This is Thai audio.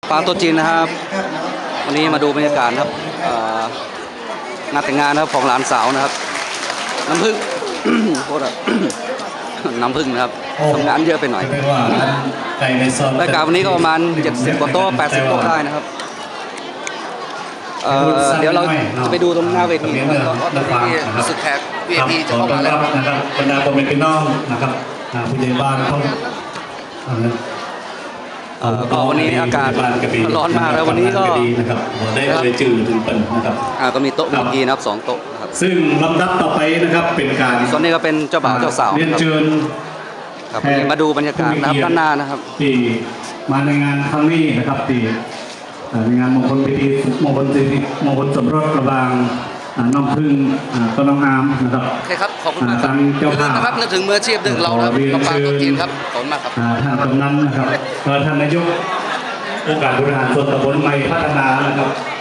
ปลาตัวจีนนะครับวันนี้มาดูบรรยากาศครับงานแต่งงานนะครับของหลานสาวนะครับน้ำผึ้ง โคตร น้ำผึ้งนะครับทำงานเยอะไปหน่อยรายการวันนี้ก็ประมาณ70 กว่าโต๊ะ80 โต๊ะได้นะครับเดี๋ยวเราจะไปดูตรงหน้าเวทีนะครับตอนนี้รู้สึกแขก VIP จะเข้ามาแล้วนะครับบรรดาพ่อแม่พี่น้องนะครับผู้ใหญ่บ้านเขาก็วันนี้อากาศร้อนมากแล้ววันนี้ก็นะครับได้เลยจืดถึงเป็นนะครับก็มีโต๊ะ VIP นะครับ2 โต๊ะนะครับซึ่งลำดับต่อไปนะครับเป็นการส่วนนี้ก็เป็นเจ้าบ่าวเจ้าสาวเรียนเชิญครับมาดูบรรยากาศนะครับด้านหน้านะครับที่มาในงานครั้งนี้นะครับที่ในงานมงคลพิธีมงคลสมรสระหว่างน้องพึ่งต้นน้องอามนะครับโอเคครับขอบคุณมากครับอย่าลืมนะครับนึกถึงมืออาชีพดึงเรานะครับกับปลาตัวจีนครับขอบคุณมากครับท่านกำนันนะครับท่านนายกองค์การบริหารส่วนตำบลใหม่พัฒนานะครับ